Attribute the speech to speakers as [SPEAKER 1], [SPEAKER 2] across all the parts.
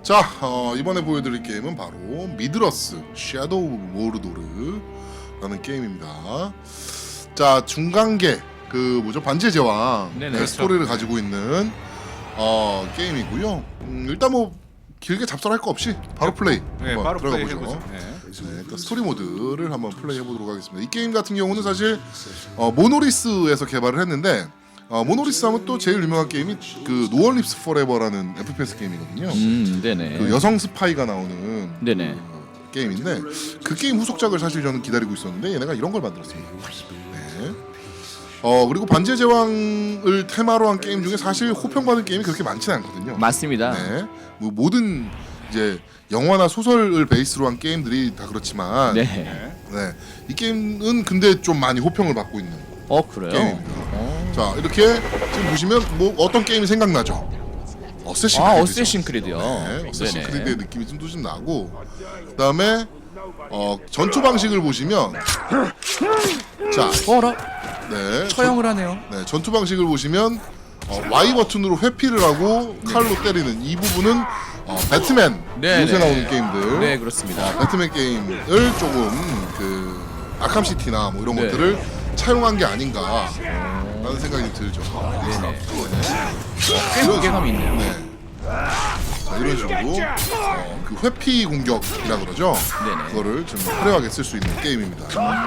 [SPEAKER 1] 자, 이번에 보여드릴 게임은 바로 미드러스 섀도우 모르도르라는 게임입니다. 자, 중간계 그 뭐죠, 반지의 제왕
[SPEAKER 2] 네네,
[SPEAKER 1] 스토리를 가지고 있는 게임이고요. 일단 뭐 길게 잡설할 거 없이 바로 플레이 한번
[SPEAKER 2] 바로
[SPEAKER 1] 들어가
[SPEAKER 2] 플레이
[SPEAKER 1] 보죠.
[SPEAKER 2] 해보죠.
[SPEAKER 1] 일단 스토리 모드를 한번 플레이 해보도록 하겠습니다. 이 게임 같은 경우는 사실 모노리스에서 개발을 했는데 모노리스 하면 또 제일 유명한 게임이 그 노원립스 포레버라는 FPS 게임이거든요.
[SPEAKER 2] 네네.
[SPEAKER 1] 그 여성 스파이가 나오는
[SPEAKER 2] 네네.
[SPEAKER 1] 그 게임인데 그 게임 후속작을 사실 저는 기다리고 있었는데 얘네가 이런 걸 만들었습니다. 네. 그리고 반지의 제왕을 테마로 한 게임 중에 사실 호평받은 게임이 그렇게 많지는 않거든요.
[SPEAKER 2] 맞습니다.
[SPEAKER 1] 네. 뭐 모든 이제 영화나 소설을 베이스로 한 게임들이 다 그렇지만
[SPEAKER 2] 네.
[SPEAKER 1] 네. 이 게임은 근데 좀 많이 호평을 받고 있는
[SPEAKER 2] 그래요?
[SPEAKER 1] 게임입니다. 자, 이렇게 지금 보시면 뭐 어떤 게임이 생각나죠? 어쌔신 크리드죠.
[SPEAKER 2] 어쌔신 크리드요.
[SPEAKER 1] 네, 어쌔신
[SPEAKER 2] 네네.
[SPEAKER 1] 크리드의 느낌이 좀 나고, 그다음에 전투 방식을 보시면 자,
[SPEAKER 2] 어라?
[SPEAKER 1] 네,
[SPEAKER 2] 처형을 하네요.
[SPEAKER 1] 네, 전투 방식을 보시면 Y 버튼으로 회피를 하고 칼로 때리는 이 부분은 배트맨
[SPEAKER 2] 네,
[SPEAKER 1] 요새
[SPEAKER 2] 네.
[SPEAKER 1] 나오는 게임들,
[SPEAKER 2] 네, 그렇습니다.
[SPEAKER 1] 배트맨 게임을 조금 그 아캄 시티나 뭐 이런
[SPEAKER 2] 네.
[SPEAKER 1] 것들을 차용한 게 아닌가라는 생각이 들죠.
[SPEAKER 2] 네네. 꽤 무게감이 있네요.
[SPEAKER 1] 네. 자, 이런 식으로 그 회피 공격이라 그러죠.
[SPEAKER 2] 네네.
[SPEAKER 1] 그거를 좀 화려하게 쓸 수 있는 게임입니다.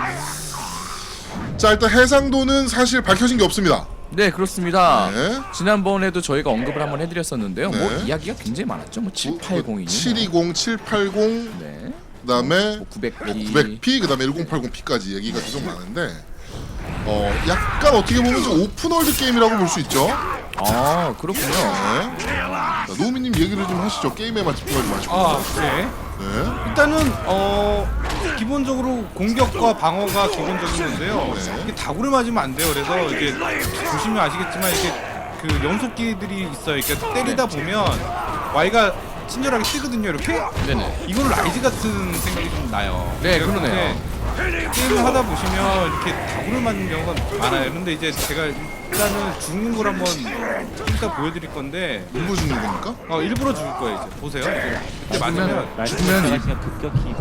[SPEAKER 1] 자, 일단 해상도는 사실 밝혀진 게 없습니다.
[SPEAKER 2] 네, 그렇습니다.
[SPEAKER 1] 네.
[SPEAKER 2] 지난번에도 저희가 언급을 한번 해드렸었는데요.
[SPEAKER 1] 네.
[SPEAKER 2] 뭐 이야기가 굉장히 많았죠. 뭐 780이니
[SPEAKER 1] 720, 780,
[SPEAKER 2] 네.
[SPEAKER 1] 그다음에
[SPEAKER 2] 뭐 900p.
[SPEAKER 1] 900p, 그다음에 1080p까지 얘기가 계속 많은데 약간 어떻게 보면 좀 오픈월드 게임이라고 볼 수 있죠.
[SPEAKER 2] 그렇군요.
[SPEAKER 1] 네. 자, 노우미님 얘기를 좀 하시죠. 게임에만 집중하지 마시고.
[SPEAKER 3] 네.
[SPEAKER 1] 네.
[SPEAKER 3] 일단은 기본적으로 공격과 방어가 기본적인 건데요.
[SPEAKER 1] 네.
[SPEAKER 3] 이게 다구를 맞으면 안 돼요. 그래서 이게 보시면 아시겠지만 이게 그 연속기들이 있어요. 이렇게 때리다 보면 Y가 친절하게 뜨거든요. 이렇게.
[SPEAKER 2] 네네.
[SPEAKER 3] 이거는 라이즈 같은 생각이 좀 나요.
[SPEAKER 2] 네,
[SPEAKER 3] 그래서
[SPEAKER 2] 그러네요.
[SPEAKER 3] 근데 게임을 하다 보시면 이렇게 다구를 맞는 경우가 많아요. 근데 이제 제가 일단은 죽는 걸 한번 이따 보여드릴 건데
[SPEAKER 1] 일부 죽는 겁니까?
[SPEAKER 3] 일부러 죽을 거예요. 이제 보세요. 이제 맞으면
[SPEAKER 2] 죽으면
[SPEAKER 4] 급격히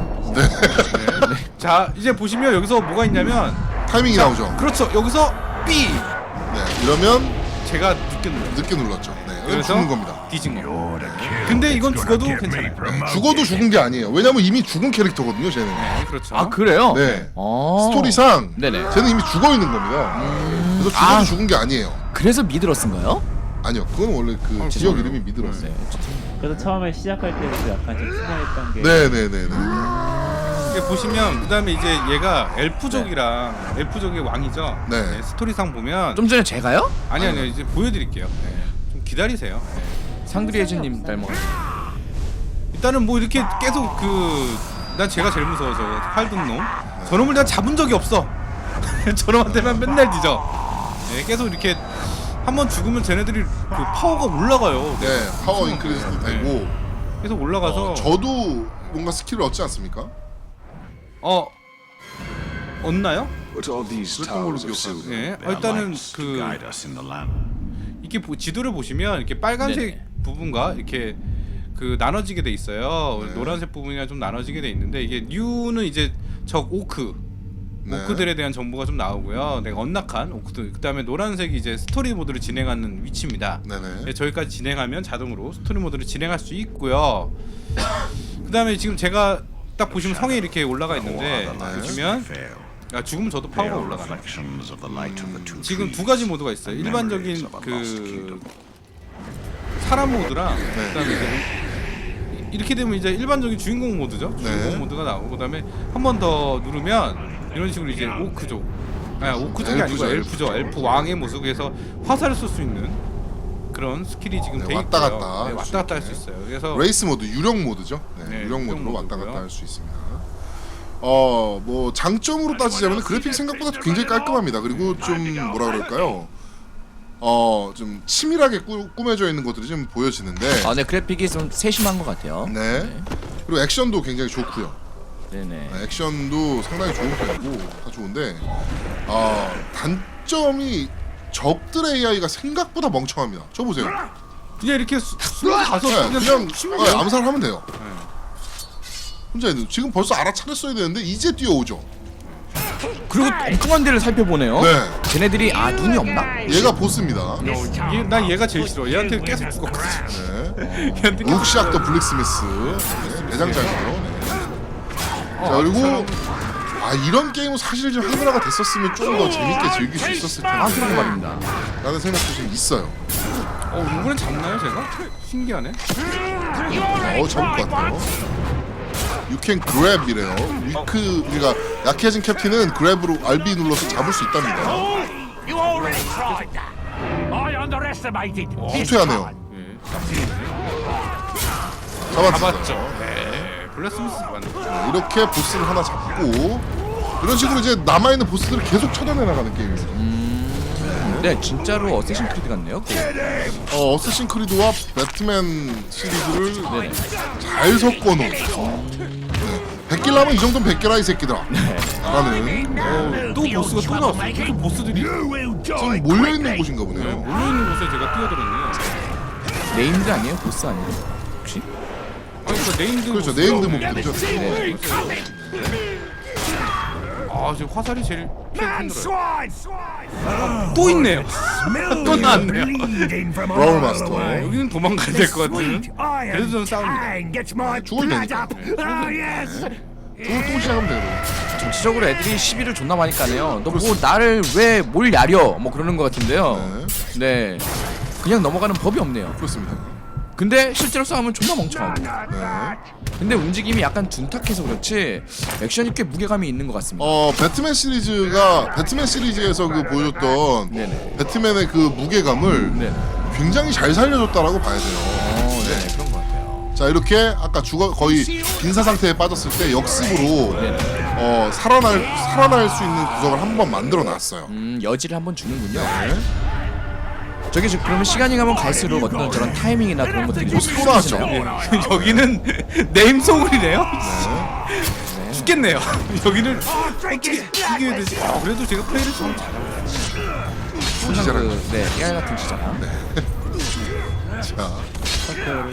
[SPEAKER 3] 자 이제 보시면 여기서 뭐가 있냐면
[SPEAKER 1] 타이밍이 나오죠.
[SPEAKER 3] 그렇죠. 여기서 B
[SPEAKER 1] 네. 이러면
[SPEAKER 3] 제가 늦게 눌러요.
[SPEAKER 1] 늦게 눌렀죠. 네. 이건
[SPEAKER 3] 그래서
[SPEAKER 1] 죽는 겁니다.
[SPEAKER 3] 뒤진 거. 근데 이건 죽어도 괜찮아요.
[SPEAKER 1] 죽어도 죽은 게 아니에요. 왜냐면 이미 죽은 캐릭터거든요, 쟤는.
[SPEAKER 3] 네, 그렇죠.
[SPEAKER 2] 그래요?
[SPEAKER 1] 네.
[SPEAKER 2] 아.
[SPEAKER 1] 스토리상
[SPEAKER 2] 네네.
[SPEAKER 1] 쟤는 이미 죽어 있는 겁니다. 그래서 죽어도 죽은 게 아니에요.
[SPEAKER 2] 그래서 미드러스인가요?
[SPEAKER 1] 아니요, 그건 원래 그 지역 이름이 미드러스.
[SPEAKER 2] 네.
[SPEAKER 4] 그래서 처음에 시작할 때부터 약간 좀 순화했던 게
[SPEAKER 1] 네네네네.
[SPEAKER 3] 이게 보시면 그다음에 이제 얘가 엘프족이랑 엘프족의 왕이죠.
[SPEAKER 1] 네.
[SPEAKER 3] 스토리상 보면
[SPEAKER 2] 좀 전에 제가요?
[SPEAKER 3] 아니요 이제 보여드릴게요. 좀 기다리세요.
[SPEAKER 2] 상그리에즈님 닮아가지고.
[SPEAKER 3] 일단은 뭐 이렇게 계속 난 제가 제일 무서워서 활든 놈. 저놈을 내가 잡은 적이 없어. 저놈한테만 맨날 뒤져. 네, 계속 이렇게 한번 죽으면 쟤네들이 그 파워가 올라가요.
[SPEAKER 1] 네, 파워 인크리스도 되고.
[SPEAKER 3] 계속 올라가서
[SPEAKER 1] 저도 뭔가 스킬을 얻지 않습니까?
[SPEAKER 3] 얻나요?
[SPEAKER 5] But all these
[SPEAKER 1] 그랬던 걸로
[SPEAKER 5] towers of
[SPEAKER 1] 기억하는데.
[SPEAKER 5] silver,
[SPEAKER 3] 네,
[SPEAKER 5] they are
[SPEAKER 3] 일단은
[SPEAKER 5] lights to guide us in the land.
[SPEAKER 3] 이게 지도를 보시면 이렇게 빨간색
[SPEAKER 2] 네네.
[SPEAKER 3] 부분과 이렇게 그 나눠지게 돼 있어요.
[SPEAKER 1] 네.
[SPEAKER 3] 노란색 부분이랑 좀 나눠지게 돼 있는데 이게 뉴는 이제 적
[SPEAKER 1] 네.
[SPEAKER 3] 오크들에 대한 정보가 좀 나오고요. 내가 언락한 오크들. 그다음에 노란색이 이제 스토리 모드를 진행하는 위치입니다.
[SPEAKER 1] 네네.
[SPEAKER 3] 네, 저기까지 진행하면 자동으로 스토리 모드를 진행할 수 있고요. 그다음에 지금 제가 딱 보시면 성에 이렇게 올라가 있는데 보시면 죽으면 저도 파워가 올라가요.
[SPEAKER 5] Reflections of the light of the two
[SPEAKER 3] 지금 두
[SPEAKER 5] trees.
[SPEAKER 3] 가지 모드가 있어요. 일반적인 그 사람 모드랑 그다음에 이제 이렇게 되면 이제 일반적인 주인공 모드죠. 주인공
[SPEAKER 1] 네.
[SPEAKER 3] 모드가 나오고 그다음에 한 번 더 누르면 이런 식으로 이제 오크족, 오크족이 아니고
[SPEAKER 1] 엘프죠.
[SPEAKER 3] 엘프 왕의 모습에서 화살을 쏠 수 있는 그런 스킬이 지금
[SPEAKER 1] 네,
[SPEAKER 3] 돼
[SPEAKER 1] 왔다
[SPEAKER 3] 있고요.
[SPEAKER 1] 갔다
[SPEAKER 3] 네,
[SPEAKER 1] 할 수
[SPEAKER 3] 왔다 갔다 할
[SPEAKER 1] 있게.
[SPEAKER 3] 수 있어요. 그래서
[SPEAKER 1] 레이스 모드, 유령 모드죠. 네,
[SPEAKER 3] 네,
[SPEAKER 1] 유령
[SPEAKER 3] 유령
[SPEAKER 1] 모드로 왔다
[SPEAKER 3] 모드고요.
[SPEAKER 1] 갔다 할 수 있습니다. 뭐 장점으로 따지자면 그래픽 생각보다 굉장히 깔끔합니다. 그리고 좀 뭐라 그럴까요? 좀 치밀하게 꾸며져 있는 것들이 좀 보여지는데.
[SPEAKER 2] 네, 그래픽이 좀 세심한 것 같아요.
[SPEAKER 1] 네. 그리고 액션도 굉장히 좋고요.
[SPEAKER 2] 네네.
[SPEAKER 1] 액션도 상당히 좋은 편이고 다 좋은데 단점이 적들의 AI가 생각보다 멍청합니다. 저 보세요.
[SPEAKER 3] 그냥 이렇게 가서
[SPEAKER 1] 네, 그냥
[SPEAKER 3] 쉬면
[SPEAKER 1] 암살하면 돼요. 혼자 있는 지금 벌써 알아차렸어야 되는데 이제 뛰어오죠.
[SPEAKER 2] 그리고 엉뚱한 데를 살펴보네요.
[SPEAKER 1] 네.
[SPEAKER 2] 쟤네들이 눈이 없나?
[SPEAKER 1] 얘가 보스입니다.
[SPEAKER 3] 난 얘가 제일 싫어. 얘한테 계속 죽었거든.
[SPEAKER 1] 네.
[SPEAKER 3] 얘한테 계속
[SPEAKER 1] 옥시악더 블랙스미스 네, 대장장이에요. 네. 자 그리고 이런 게임은 사실 좀 한글화가 됐었으면 좀 더 재밌게 즐길 수 있었을 텐데
[SPEAKER 2] 그런 말입니다.
[SPEAKER 1] 라는 생각도 좀 있어요.
[SPEAKER 3] 이번엔 잡나요 제가? 신기하네.
[SPEAKER 1] 잡을 것 같아요. You can grab이래요. 위크 그러니까 약해진 캡틴은 그랩으로 RB 눌러서 잡을 수 있답니다.
[SPEAKER 6] You already tried that. I underestimated.
[SPEAKER 1] 후퇴하네요.
[SPEAKER 3] 예.
[SPEAKER 1] 잡았죠.
[SPEAKER 3] 잡았죠. 네. 블랙스미스 잡았네.
[SPEAKER 1] 이렇게 보스를 하나 잡고 이런 식으로 이제 남아있는 보스들을 계속 쳐다내 나가는 게임이에요.
[SPEAKER 2] 네, 진짜로 어쌔신 크리드 같네요.
[SPEAKER 1] 어쌔신 크리드와 배트맨 시리즈를
[SPEAKER 2] 네네.
[SPEAKER 1] 잘 섞어놓은 네. 100개 나면 이 정도는 100개라 이 새끼들아 라는
[SPEAKER 3] 또 보스가 또 나왔어. 계속 보스들이
[SPEAKER 1] 지금 몰려있는 곳인가 보네요.
[SPEAKER 3] 몰려있는 곳에 제가 뛰어들었네요.
[SPEAKER 2] 네임드 아니에요? 보스 아니에요? 혹시?
[SPEAKER 3] 아니 그 네임드
[SPEAKER 1] 그렇죠.
[SPEAKER 3] 보스요.
[SPEAKER 1] 네임드 몹들이죠.
[SPEAKER 2] 네.
[SPEAKER 3] 지금 화살이 제일 힘들어요.
[SPEAKER 6] Swine.
[SPEAKER 3] 또 있네요. 또 나왔네요.
[SPEAKER 6] Bleeding from
[SPEAKER 1] 브라울
[SPEAKER 6] all
[SPEAKER 1] 마스터.
[SPEAKER 6] the
[SPEAKER 3] 여기는 도망가야 될 것 같은.
[SPEAKER 6] Sweet iron
[SPEAKER 3] 그래도 좀 싸웁니다.
[SPEAKER 6] fang gets my
[SPEAKER 1] 죽을
[SPEAKER 6] blood
[SPEAKER 1] 테니까.
[SPEAKER 6] up. Oh yes.
[SPEAKER 1] 또 시작하면 되거든요.
[SPEAKER 2] 전체적으로 애들이 시비를 존나 많이 까네요. 너 뭐 나를 왜 뭘 야려? 뭐 그러는 것 같은데요. 네. 그냥 넘어가는 법이 없네요.
[SPEAKER 1] 그렇습니다.
[SPEAKER 2] 근데 실제로 싸우면 존나 멍청하고.
[SPEAKER 1] 네.
[SPEAKER 2] 근데 움직임이 약간 둔탁해서 그렇지 액션이 꽤 무게감이 있는 것 같습니다.
[SPEAKER 1] 배트맨 시리즈에서 그 보여줬던
[SPEAKER 2] 네네.
[SPEAKER 1] 배트맨의 그 무게감을
[SPEAKER 2] 네.
[SPEAKER 1] 굉장히 잘 살려줬다라고 봐야 돼요.
[SPEAKER 2] 네, 그런 것 같아요.
[SPEAKER 1] 자 이렇게 아까 거의 빈사 상태에 빠졌을 때 역습으로 살아날 수 있는 구석을 한번 만들어 놨어요.
[SPEAKER 2] 여지를 한번 주는군요. 저게 그러면 시간이 가면 갈수록 어떤 저런 타이밍이나 그런 것들이 좀
[SPEAKER 1] 또 나왔죠.
[SPEAKER 2] 스무스해지나요?
[SPEAKER 3] 여기는 네임소울이네요. 죽겠네요. 여기는 어떻게 이겨야 되지? 그래도 제가 플레이를 좀 잘하고
[SPEAKER 1] 시작을
[SPEAKER 2] 그, 네, 깨알 같은 시장.
[SPEAKER 1] 자
[SPEAKER 4] 스타크를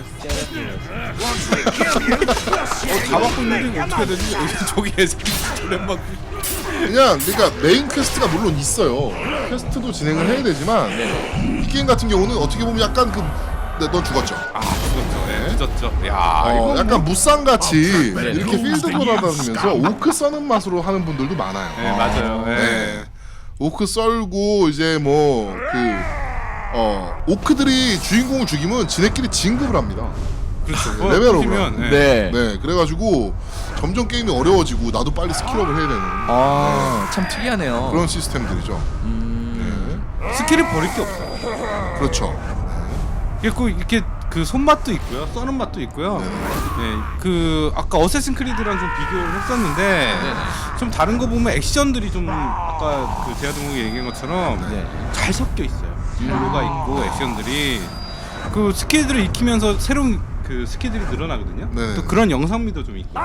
[SPEAKER 3] 다 막고 있는데 이거 어떻게 해야 되지? 저기 애새끼 저래 막
[SPEAKER 1] 그냥 그러니까 메인 퀘스트가 물론 있어요. 퀘스트도 진행을 해야 되지만 이 게임 같은 경우는 어떻게 보면 약간 너 죽었죠.
[SPEAKER 3] 죽었죠. 예, 늦었죠. 야, 이거
[SPEAKER 1] 약간 무쌍같이
[SPEAKER 2] 네.
[SPEAKER 1] 이렇게 필드 돌아다니면서 오크 써는 맛으로 하는 분들도 많아요.
[SPEAKER 3] 네, 맞아요. 예.
[SPEAKER 1] 네. 오크 썰고 이제 뭐 오크들이 주인공을 죽이면 지네끼리 진급을 합니다.
[SPEAKER 3] 그렇죠.
[SPEAKER 1] 레벨업을
[SPEAKER 3] 면
[SPEAKER 1] 하고.
[SPEAKER 2] 네.
[SPEAKER 1] 네, 그래가지고 점점 게임이 어려워지고 나도 빨리 스킬업을 해야 되는
[SPEAKER 2] 참 특이하네요.
[SPEAKER 1] 그런 시스템들이죠.
[SPEAKER 3] 스킬을 버릴 게 없어요.
[SPEAKER 1] 그렇죠.
[SPEAKER 3] 이렇게 그 손맛도 있고요, 써는 맛도 있고요. 네, 그 아까 어쌔신 크리드랑 좀 비교를 했었는데 좀 다른 거 보면 액션들이 좀 아까 그 제아동욱이 얘기한 것처럼
[SPEAKER 2] 네.
[SPEAKER 3] 잘 섞여 있어요. 딜로가 있고 액션들이 그 스킬들을 익히면서 새로운 그 스킬들이 늘어나거든요.
[SPEAKER 1] 네.
[SPEAKER 3] 또 그런 영상미도 좀 있고.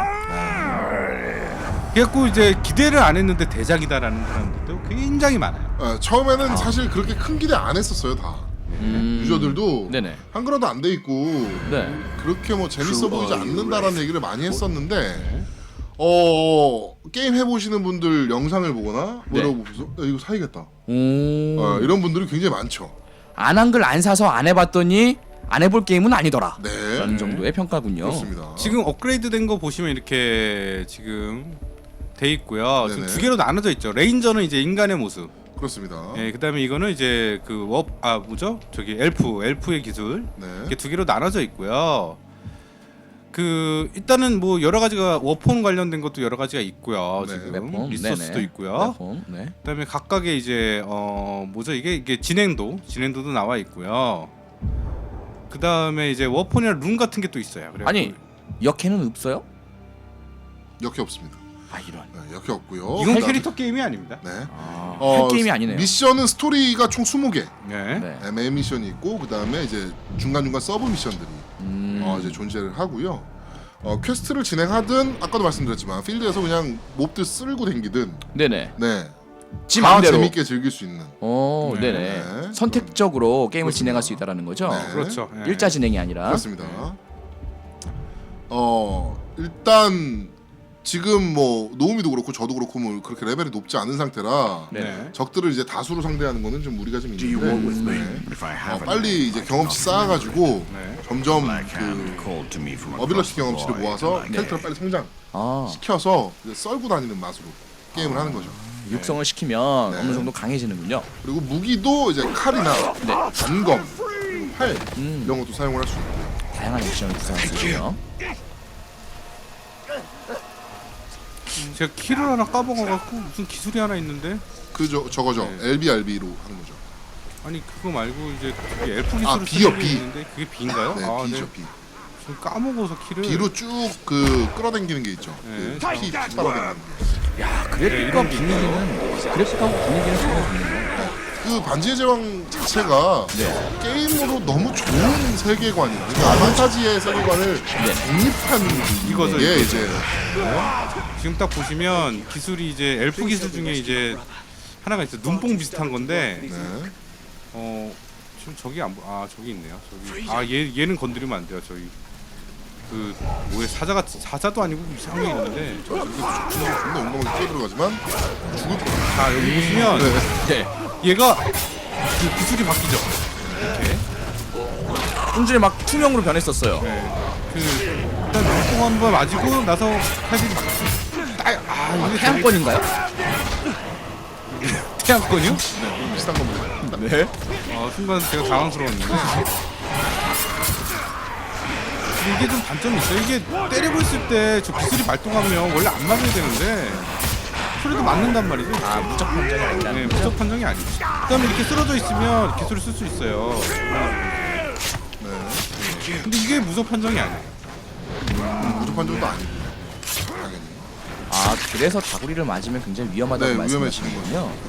[SPEAKER 3] 그래갖고 이제 기대를 안 했는데 대작이다라는 사람들도 굉장히 많아요.
[SPEAKER 1] 처음에는 사실 그렇게 큰 기대 안 했었어요 다. 유저들도
[SPEAKER 2] 네네.
[SPEAKER 1] 한글화도 안 돼 있고
[SPEAKER 2] 네.
[SPEAKER 1] 그렇게 뭐 재밌어 보이지 않는다라는 얘기를 많이 했었는데 게임 해보시는 분들 영상을 보거나 뭐 이러고 보면서 이거 사야겠다 이런 분들이 굉장히 많죠.
[SPEAKER 2] 안 한글 안 사서 안 해봤더니 안 해볼 게임은 아니더라.
[SPEAKER 1] 네,
[SPEAKER 2] 라는 정도의 평가군요.
[SPEAKER 1] 그렇습니다.
[SPEAKER 3] 지금 업그레이드된 거 보시면 이렇게 지금 돼 있고요. 지금
[SPEAKER 1] 네네.
[SPEAKER 3] 두 개로 나눠져 있죠. 레인저는 이제 인간의 모습.
[SPEAKER 1] 그렇습니다.
[SPEAKER 3] 예, 그다음에 이거는 이제 뭐죠? 저기 엘프의 기술.
[SPEAKER 1] 네.
[SPEAKER 3] 이렇게 두 개로 나눠져 있고요. 그 일단은 뭐 여러 가지가 워폰 관련된 것도 여러 가지가 있고요.
[SPEAKER 1] 네.
[SPEAKER 3] 지금
[SPEAKER 2] 웹폼,
[SPEAKER 3] 리소스도
[SPEAKER 2] 네네.
[SPEAKER 3] 있고요.
[SPEAKER 2] 웹폼, 네.
[SPEAKER 3] 그다음에 각각의 이제 뭐죠? 이게 진행도도 나와 있고요. 그다음에 이제 워폰이나 룬 같은 게 또 있어요. 그래갖고
[SPEAKER 2] 아니 역해는 없어요?
[SPEAKER 1] 역해 없습니다.
[SPEAKER 2] 아 이런.
[SPEAKER 1] 네, 역해 없고요.
[SPEAKER 3] 이건
[SPEAKER 1] 그다음에-
[SPEAKER 3] 캐릭터 게임이 아닙니다.
[SPEAKER 1] 네.
[SPEAKER 2] 할 게임이 아니네요.
[SPEAKER 1] 미션은 스토리가 총 20개.
[SPEAKER 3] 네.
[SPEAKER 2] 네.
[SPEAKER 1] 메인 미션이 있고 그다음에 이제 중간중간 서브 미션들이 이제 존재를 하고요. 퀘스트를 진행하든 아까도 말씀드렸지만 필드에서 그냥 몹들 쓸고 댕기든
[SPEAKER 2] 네네.
[SPEAKER 1] 네.
[SPEAKER 2] 지
[SPEAKER 1] 다
[SPEAKER 2] 맘대로.
[SPEAKER 1] 재밌게 즐길 수 있는.
[SPEAKER 2] 네네.
[SPEAKER 1] 네.
[SPEAKER 2] 선택적으로 게임을 진행할 수 있다라는 거죠.
[SPEAKER 1] 네.
[SPEAKER 3] 그렇죠. 예.
[SPEAKER 2] 일자 진행이 아니라.
[SPEAKER 1] 그렇습니다. 일단 지금 뭐 노우미도 그렇고 저도 그렇고 뭐 그렇게 레벨이 높지 않은 상태라
[SPEAKER 3] 네.
[SPEAKER 1] 적들을 이제 다수로 상대하는 거는 좀 무리가 좀
[SPEAKER 5] Do you walk with
[SPEAKER 1] 있는데
[SPEAKER 5] me? If I haven't,
[SPEAKER 1] 빨리 이제 경험치 쌓아가지고
[SPEAKER 3] 네.
[SPEAKER 1] 점점
[SPEAKER 5] Backhand
[SPEAKER 1] 그
[SPEAKER 5] called to me from
[SPEAKER 1] 어빌러시
[SPEAKER 5] across the
[SPEAKER 1] 경험치를
[SPEAKER 5] void,
[SPEAKER 1] 모아서
[SPEAKER 5] and I
[SPEAKER 1] 캐릭터를 빨리 성장
[SPEAKER 2] 아,
[SPEAKER 1] 시켜서 이제 썰고 다니는 맛으로 게임을 하는 거죠.
[SPEAKER 2] 육성을 시키면
[SPEAKER 1] 네.
[SPEAKER 2] 어느 정도 강해지는군요.
[SPEAKER 1] 그리고 무기도 이제 칼이나 단검, 활 이런 것도 사용을 할 수 있고.
[SPEAKER 2] 다양한 액션을 구사할 수 있고요.
[SPEAKER 3] 제가 키를 하나 까먹어갖고 무슨 기술이 하나 있는데
[SPEAKER 1] 저거죠.
[SPEAKER 3] 네.
[SPEAKER 1] LBRB로 하는 거죠.
[SPEAKER 3] 아니 그거 말고 이제 저기 엘프 기술을
[SPEAKER 1] 아, B요,
[SPEAKER 3] 쓰는 게
[SPEAKER 1] B.
[SPEAKER 3] 있는데 그게 B인가요?
[SPEAKER 1] 네,
[SPEAKER 3] 아,
[SPEAKER 1] B죠,
[SPEAKER 3] 네.
[SPEAKER 1] B.
[SPEAKER 3] 좀 까먹어서 키를
[SPEAKER 1] B로 쭉 그 끌어당기는 게 있죠.
[SPEAKER 3] 네.
[SPEAKER 1] 그 키 빨아당기는 게.
[SPEAKER 2] 야, 그래픽과 분위기는 그래픽하고 분위기는 정말 좋네요.
[SPEAKER 1] 그 반지의 제왕 자체가
[SPEAKER 2] 네.
[SPEAKER 1] 게임으로 너무 좋은 세계관이에요. 그러니까 판타지의 세계관을 독립한
[SPEAKER 3] 이거죠,
[SPEAKER 1] 게
[SPEAKER 3] 이거죠.
[SPEAKER 1] 이제
[SPEAKER 3] 지금 딱 보시면 기술이 이제 엘프 기술 중에 이제 하나가 있어요. 눈뽕 비슷한 건데
[SPEAKER 1] 네.
[SPEAKER 3] 지금 저기 안 보. 아 저기 있네요. 저기 얘는 건드리면 안 돼요. 저기 그 뭐에 사자도 아니고 이상한 게 있는데
[SPEAKER 1] 존나 용감하게 뛰어들어가지만 죽을 것 같아요.
[SPEAKER 3] 자 여기 보시면
[SPEAKER 2] 네.
[SPEAKER 3] 얘가 그 기술이 바뀌죠. 이렇게
[SPEAKER 2] 좀 전에 막 투명으로 변했었어요.
[SPEAKER 3] 그 일단 눈뽕 한번 맞고 나서 칼질이 바뀌죠. 이게
[SPEAKER 2] 태양권인가요?
[SPEAKER 3] 태양권이요?
[SPEAKER 1] 비슷한 겁니다.
[SPEAKER 2] 네.
[SPEAKER 3] 순간 제가 당황스러웠는데 근데 이게 좀 단점이 있어요. 이게 때리고 있을 때 저 기술이 발동하면 원래 안 맞아야 되는데 소리도 맞는단 말이죠.
[SPEAKER 2] 아, 무적 판정이 아니라는
[SPEAKER 3] 네,
[SPEAKER 2] 거죠?
[SPEAKER 3] 무적 판정이 아니죠. 그다음에 이렇게 쓰러져 있으면 기술을 쓸 수 있어요. 근데 이게 무적 판정이 아니에요.
[SPEAKER 1] 무조건 정도 아니고 당연히.
[SPEAKER 2] 아, 그래서 다구리를 맞으면 굉장히 위험하다고
[SPEAKER 1] 네,
[SPEAKER 2] 말씀하시는
[SPEAKER 1] 위험해지는
[SPEAKER 2] 거군요.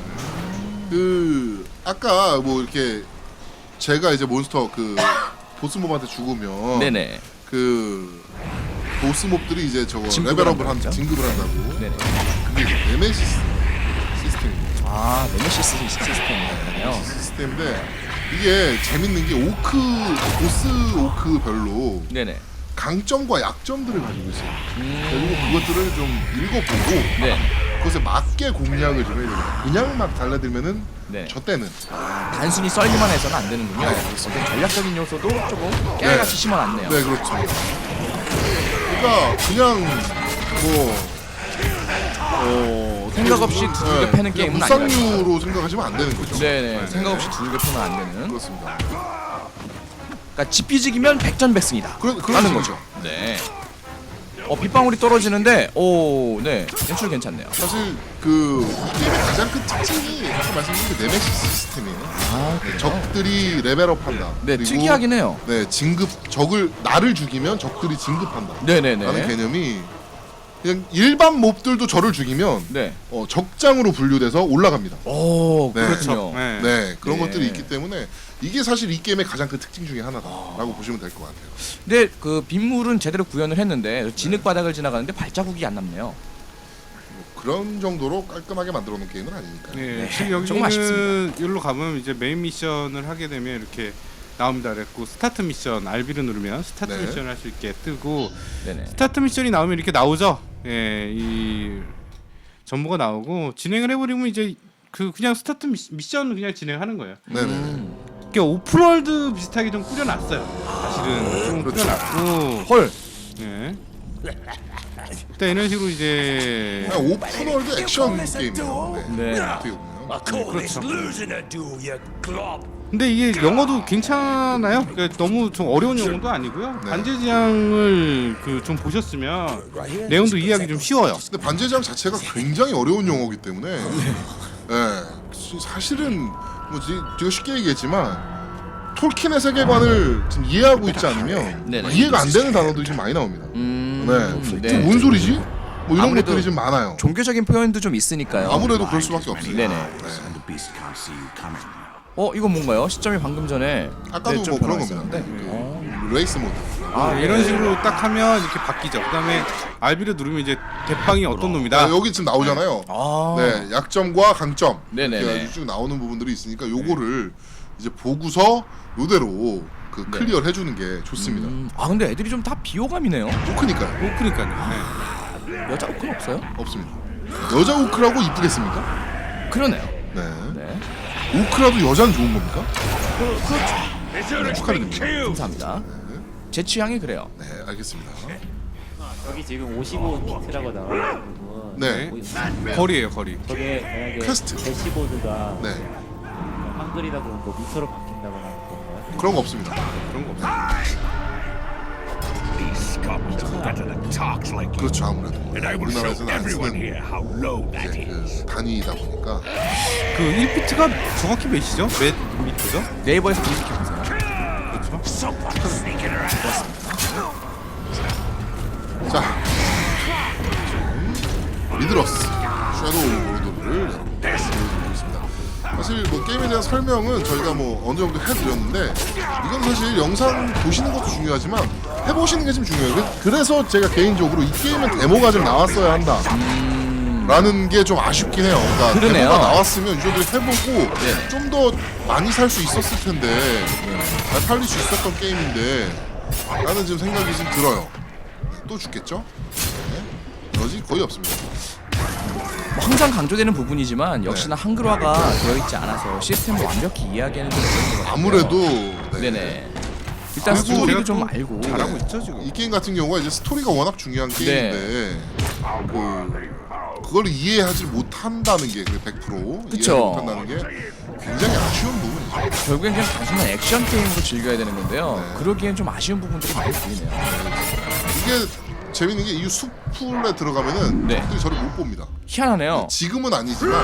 [SPEAKER 1] 그 아까 뭐 이렇게 제가 이제 몬스터 그 보스몹한테 죽으면
[SPEAKER 2] 네네.
[SPEAKER 1] 그 보스몹들이 이제 저거
[SPEAKER 2] 진급을
[SPEAKER 1] 레벨업을
[SPEAKER 2] 한다고 했죠?
[SPEAKER 1] 진급을 한다고.
[SPEAKER 2] 네네.
[SPEAKER 1] 그게 이제 네메시스 시스템입니다.
[SPEAKER 2] 아, 네메시스 시스템이네요.
[SPEAKER 1] 시스템인데 이게 재밌는 게 보스 오크별로
[SPEAKER 2] 네네.
[SPEAKER 1] 강점과 약점들을 가지고 있어요. 그리고 그것들을 좀 읽어보고
[SPEAKER 2] 네.
[SPEAKER 1] 그것에 맞게 공략을 좀 해야 돼요. 그냥 막 달라들면은
[SPEAKER 2] 네.
[SPEAKER 1] 저 때는
[SPEAKER 2] 단순히 썰기만 해서는 안 되는군요. 어떤 전략적인 요소도 조금 깨알같이 심어놨네요.
[SPEAKER 1] 네 그렇죠. 그러니까 그냥
[SPEAKER 2] 생각 없이 두들겨 패는 게임은
[SPEAKER 1] 무쌍류로 생각하시면 안 되는 거죠.
[SPEAKER 2] 네네. 생각 없이 두들겨 패면 안 되는.
[SPEAKER 1] 그렇습니다.
[SPEAKER 2] 그러니까 집비직이면 백전백승이다.
[SPEAKER 1] 그런
[SPEAKER 2] 하는 거죠. 네. 빗방울이 떨어지는데 네. 연출 괜찮네요.
[SPEAKER 1] 사실 그 이 게임의 가장 큰 특징이 아까 말씀드린 그 네메시스 시스템이에요.
[SPEAKER 2] 아,
[SPEAKER 1] 네, 적들이 레벨업한다.
[SPEAKER 2] 네,
[SPEAKER 1] 그리고
[SPEAKER 2] 특이하긴 해요.
[SPEAKER 1] 네, 나를 죽이면 적들이 진급한다.
[SPEAKER 2] 네네네.
[SPEAKER 1] 라는 개념이 그냥 일반 몹들도 저를 죽이면
[SPEAKER 2] 네.
[SPEAKER 1] 적장으로 분류돼서 올라갑니다.
[SPEAKER 2] 오,
[SPEAKER 1] 네.
[SPEAKER 2] 그렇군요.
[SPEAKER 3] 네.
[SPEAKER 1] 네, 그런
[SPEAKER 2] 네.
[SPEAKER 1] 것들이 있기 때문에 이게 사실 이 게임의 가장 큰 특징 중에 하나다라고 보시면 될 것 같아요.
[SPEAKER 2] 근데 그 빗물은 제대로 구현을 했는데 진흙 바닥을 지나가는데 발자국이 안 남네요.
[SPEAKER 1] 그런 정도로 깔끔하게 만들어 놓은 게임은 아니니까요.
[SPEAKER 3] 네,
[SPEAKER 2] 네,
[SPEAKER 3] 지금
[SPEAKER 2] 조금
[SPEAKER 3] 여기는 여기로 가면 이제 메인 미션을 하게 되면 이렇게 나옵니다. 그랬고 스타트 미션 RB를 누르면 스타트
[SPEAKER 1] 네.
[SPEAKER 3] 미션을 할 수 있게 뜨고
[SPEAKER 2] 네네.
[SPEAKER 3] 스타트 미션이 나오면 이렇게 나오죠. 예, 이 정보가 나오고 진행을 해버리면 이제 그냥 스타트 미션을 그냥 진행하는 거예요.
[SPEAKER 1] 네네.
[SPEAKER 3] 이게 오픈월드 비슷하게 좀 꾸려놨어요. 사실은 좀
[SPEAKER 1] 그렇죠.
[SPEAKER 3] 꾸려놨고,
[SPEAKER 2] 헐.
[SPEAKER 3] 예. 일단 이런 식으로 이제
[SPEAKER 1] 그냥 오픈월드 액션 게임이에요.
[SPEAKER 2] 네.
[SPEAKER 1] 어떻게 보면.
[SPEAKER 3] 그렇죠. 근데 이게 영어도 괜찮아요. 그러니까 너무 좀 어려운 영어도 아니고요.
[SPEAKER 1] 네.
[SPEAKER 3] 반지의제왕을 좀 보셨으면 내용도 이해하기 좀 쉬워요.
[SPEAKER 1] 근데 반지의제왕 자체가 굉장히 어려운 용어이기 때문에 사실은 뭐 제가 쉽게 얘기했지만 톨킨의 세계관을 지금 이해하고 있지 않으면
[SPEAKER 2] 네네.
[SPEAKER 1] 이해가 안 되는 단어들이 좀 많이 나옵니다.
[SPEAKER 2] 네.
[SPEAKER 1] 좀 뭔 소리지? 뭐 이런
[SPEAKER 2] 아무래도
[SPEAKER 1] 것들이 좀 많아요.
[SPEAKER 2] 종교적인 표현도 좀 있으니까요.
[SPEAKER 1] 아무래도 그럴 수밖에 없어요.
[SPEAKER 2] 네네.
[SPEAKER 5] And the beast can't see you coming.
[SPEAKER 2] 이건 뭔가요? 시점이 방금 전에
[SPEAKER 1] 아까도
[SPEAKER 2] 좀
[SPEAKER 1] 뭐 그런
[SPEAKER 2] 변화가
[SPEAKER 1] 겁니다.
[SPEAKER 2] 있었는데.
[SPEAKER 1] 그 레이스 모드.
[SPEAKER 3] 이런 식으로 딱 하면 이렇게 바뀌죠. 그다음에 RB를 누르면 이제 대빵이 어떤 놈이다.
[SPEAKER 1] 여기 지금 나오잖아요. 네, 약점과 강점
[SPEAKER 2] 네네네.
[SPEAKER 1] 이렇게 아주 쭉 나오는 부분들이 있으니까 요거를 이제 보고서 요대로 그 클리어를 해주는 게 좋습니다.
[SPEAKER 2] 근데 애들이 좀 다 비호감이네요.
[SPEAKER 1] 오크니까요.
[SPEAKER 3] 그러니까요. 네.
[SPEAKER 2] 여자 오크는 없어요?
[SPEAKER 1] 없습니다. 여자 오크라고 이쁘겠습니까?
[SPEAKER 2] 그러네요.
[SPEAKER 1] 네.
[SPEAKER 2] 네.
[SPEAKER 1] 오크라도 여자는 좋은 겁니까?
[SPEAKER 2] 축하드립니다. 감사합니다. 제 취향이 그래요.
[SPEAKER 1] 네, 알겠습니다.
[SPEAKER 4] 여기 지금 55비트라고 나와 있는 부분.
[SPEAKER 1] 네.
[SPEAKER 3] 거리예요, 거리.
[SPEAKER 4] 저게 만약에
[SPEAKER 1] 퀘스트.
[SPEAKER 4] 대시보드가
[SPEAKER 1] 네,
[SPEAKER 4] 한글이다 그런 거 미터로 바뀐다거나 그런
[SPEAKER 1] 그런 거 없습니다.
[SPEAKER 3] 그런 거 없어요.
[SPEAKER 6] These scums are better than talks like you.
[SPEAKER 1] 그렇죠, 아무래도
[SPEAKER 6] And I will show
[SPEAKER 1] 우리나라에서는 안
[SPEAKER 6] everyone
[SPEAKER 1] 쓰는
[SPEAKER 6] here how low that
[SPEAKER 1] 이제
[SPEAKER 6] is.
[SPEAKER 1] 그 단위이다 보니까
[SPEAKER 3] 그 1비트가 정확히 몇이죠? 몇 미터죠?
[SPEAKER 2] 네이버에서 검색해보세요.
[SPEAKER 3] 그렇죠.
[SPEAKER 6] Someone sneaking around.
[SPEAKER 1] 자, 미드러스 섀도우 모드를 보여드리고 있습니다. 사실 뭐 게임에 대한 설명은 저희가 뭐 어느 정도 해드렸는데 이건 사실 영상 보시는 것도 중요하지만 해보시는 게 좀 중요해요. 그래서 제가 개인적으로 이 게임은 데모가 좀 나왔어야 한다 라는 게 좀 아쉽긴 해요. 그러니까
[SPEAKER 2] 그러네요.
[SPEAKER 1] 데모가 나왔으면 유저들이 해보고 좀 더 많이 살 수 있었을 텐데 잘 팔릴 수 있었던 게임인데 라는 지금 생각이 좀 들어요. 또 죽겠죠? 네. 에너지 거의 없습니다.
[SPEAKER 2] 뭐 항상 강조되는 부분이지만 역시나 한글화가 되어 있지 않아서 시스템을 완벽히 이해하기에는 좀 어려운 것 같아요.
[SPEAKER 1] 아무래도 네.
[SPEAKER 2] 네네. 일단
[SPEAKER 1] 그리고
[SPEAKER 2] 스토리도
[SPEAKER 3] 제가
[SPEAKER 2] 좀
[SPEAKER 3] 또
[SPEAKER 2] 알고
[SPEAKER 3] 잘하고 있죠 지금.
[SPEAKER 1] 이 게임 같은 경우가 이제 스토리가 워낙 중요한 게임인데 그걸 이해하지 못한다는 게 100%
[SPEAKER 2] 그쵸.
[SPEAKER 1] 이해 못한다는 게 굉장히 아쉬운 부분이죠.
[SPEAKER 2] 결국엔 그냥 단순한 액션 게임으로 즐겨야 되는 건데요.
[SPEAKER 1] 네.
[SPEAKER 2] 그러기엔 좀 아쉬운 부분들이 많이 보이네요.
[SPEAKER 1] 이게 재밌는 게 이 숲풀에 들어가면은
[SPEAKER 2] 네.
[SPEAKER 1] 적들이 저를 못 봅니다.
[SPEAKER 2] 희한하네요.
[SPEAKER 1] 지금은 아니지만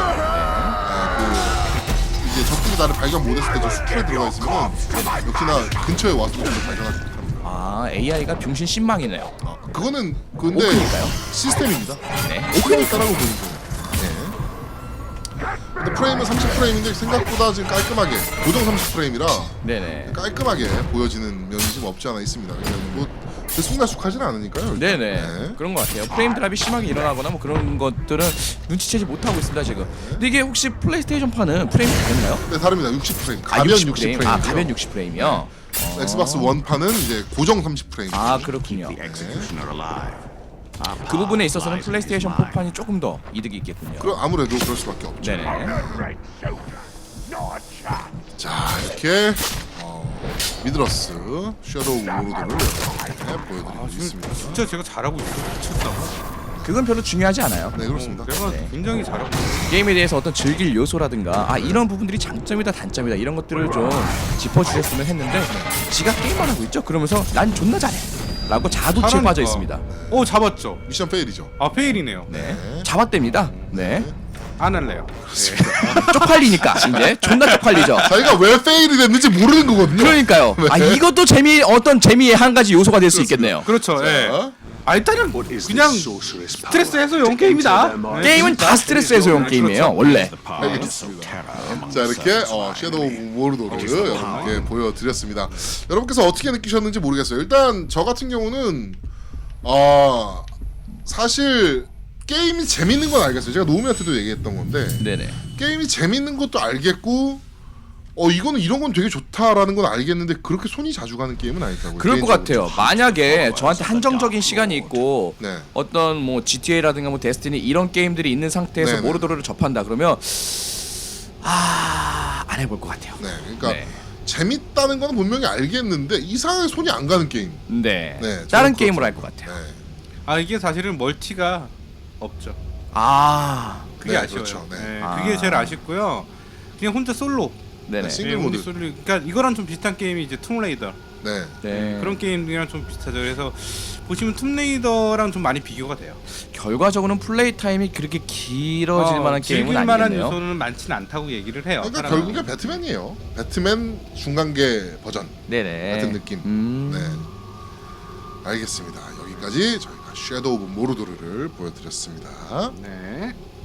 [SPEAKER 1] 그 이제 적들이 나를 발견 못했을 때 저 숲풀에 들어가 있으면 역시나 근처에 와서 저를 발견하지 못합니다.
[SPEAKER 2] AI가 병신 신망이네요.
[SPEAKER 1] 그거는 근데
[SPEAKER 2] 오크니까요?
[SPEAKER 1] 시스템입니다.
[SPEAKER 2] 네.
[SPEAKER 1] 오크니까라고 보는 거예요. 네. 근데 프레임은 30프레임인데 생각보다 지금 깔끔하게 고정 30프레임이라
[SPEAKER 2] 네네.
[SPEAKER 1] 깔끔하게 보여지는 면이 좀 없지 않아 있습니다. 왜냐면 뭐 들쑥날쑥하지는 않으니까요. 일단.
[SPEAKER 2] 네네.
[SPEAKER 1] 네.
[SPEAKER 2] 그런 것 같아요. 프레임 드랍이 심하게 일어나거나 뭐 그런 것들은 눈치채지 못하고 있습니다 지금. 근데 이게 혹시 플레이스테이션판은 프레임이 다른가요?
[SPEAKER 1] 네, 다릅니다. 60프레임. 가변 60프레임.
[SPEAKER 2] 가변 60프레임이요.
[SPEAKER 1] 엑스박스 원판은 이제 고정 30프레임.
[SPEAKER 2] 그렇군요.
[SPEAKER 5] The executioner alive.
[SPEAKER 2] 그 부분에 있어서는 플레이스테이션 4판이 조금 더 이득이 있겠군요.
[SPEAKER 1] 그럼 아무래도 그럴 수밖에 없죠.
[SPEAKER 2] 네네.
[SPEAKER 6] Right, so no chance.
[SPEAKER 1] 자, 이렇게 미드러스 섀도우 모드를 보여드리고 있습니다.
[SPEAKER 3] 진짜 제가 잘하고 있어. 미쳤다.
[SPEAKER 2] 그건 별로 중요하지 않아요.
[SPEAKER 1] 네, 그렇습니다.
[SPEAKER 3] 내가 굉장히 잘하고 있어.
[SPEAKER 2] 게임에 대해서 어떤 즐길 요소라든가 이런 부분들이 장점이다 단점이다 이런 것들을 좀 짚어주셨으면 했는데 지가 게임만 하고 있죠. 그러면서 난 존나 잘해 라고 자도치에
[SPEAKER 3] 잘하니까.
[SPEAKER 2] 빠져 있습니다.
[SPEAKER 3] 오 잡았죠.
[SPEAKER 1] 미션 페일이죠.
[SPEAKER 3] 아 페일이네요.
[SPEAKER 2] 네. 잡았답니다. 네.
[SPEAKER 3] 안 할래요.
[SPEAKER 2] 쪽팔리니까 이제 존나 쪽팔리죠.
[SPEAKER 1] 자기가 왜 페일이 됐는지 모르는 거거든요.
[SPEAKER 2] 그러니까요.
[SPEAKER 1] 네.
[SPEAKER 2] 이것도 어떤 재미의 한 가지 요소가 될 수 있겠네요.
[SPEAKER 3] 그렇죠. 예. 일단은 그냥 스트레스 해소용 게임이다. 네.
[SPEAKER 2] 게임은 다 스트레스 해소용 게임이에요. 원래.
[SPEAKER 1] 알겠습니다. 자, 이렇게 섀도우 모르도를 여러분께 보여드렸습니다. 여러분께서 어떻게 느끼셨는지 모르겠어요. 일단 저 같은 경우는 사실 게임이 재밌는 건 알겠어요. 제가 노우미한테도 얘기했던 건데
[SPEAKER 2] 네네.
[SPEAKER 1] 게임이 재밌는 것도 알겠고 이거는 이런 건 되게 좋다라는 건 알겠는데 그렇게 손이 자주 가는 게임은 아니더라고요.
[SPEAKER 2] 그럴 것
[SPEAKER 1] 개인적으로.
[SPEAKER 2] 같아요. 만약에 저한테 한정적인 시간이 있고
[SPEAKER 1] 네.
[SPEAKER 2] 어떤 뭐 GTA라든가 뭐 데스티니 이런 게임들이 있는 상태에서
[SPEAKER 1] 네네.
[SPEAKER 2] 모르도르를 접한다 그러면 안 해볼 것 같아요.
[SPEAKER 1] 네, 그러니까
[SPEAKER 2] 네.
[SPEAKER 1] 재밌다는 건 분명히 알겠는데 이상하게 손이 안 가는 게임.
[SPEAKER 2] 네.
[SPEAKER 1] 네,
[SPEAKER 2] 다른
[SPEAKER 1] 저는
[SPEAKER 2] 게임으로 할
[SPEAKER 1] 그렇죠.
[SPEAKER 2] 것 같아요.
[SPEAKER 1] 네.
[SPEAKER 3] 이게 사실은 멀티가 없죠. 그게
[SPEAKER 1] 네,
[SPEAKER 3] 아쉬워요.
[SPEAKER 1] 그렇죠. 네.
[SPEAKER 3] 네, 그게 제일 아쉽고요. 그냥 혼자 솔로.
[SPEAKER 2] 네네.
[SPEAKER 1] 싱글
[SPEAKER 3] 네,
[SPEAKER 1] 모드.
[SPEAKER 3] 혼자 솔로. 그러니까 이거랑 좀 비슷한 게임이 이제 툼레이더.
[SPEAKER 1] 네.
[SPEAKER 2] 네.
[SPEAKER 3] 그런 게임이랑 좀 비슷하죠. 그래서 보시면 툼레이더랑 좀 많이 비교가 돼요.
[SPEAKER 2] 결과적으로는 플레이 타임이 그렇게 길어질 만한 게임은
[SPEAKER 3] 즐길 만한
[SPEAKER 2] 아니겠네요.
[SPEAKER 3] 요소는 많지는 않다고 얘기를 해요.
[SPEAKER 1] 그러니까
[SPEAKER 3] 사람들이.
[SPEAKER 1] 결국에 배트맨이에요. 배트맨 중간계 버전
[SPEAKER 2] 네네.
[SPEAKER 1] 같은 느낌. 네. 알겠습니다. 여기까지 저희가 섀도우 오브 모르도르를 보여드렸습니다.
[SPEAKER 3] 네.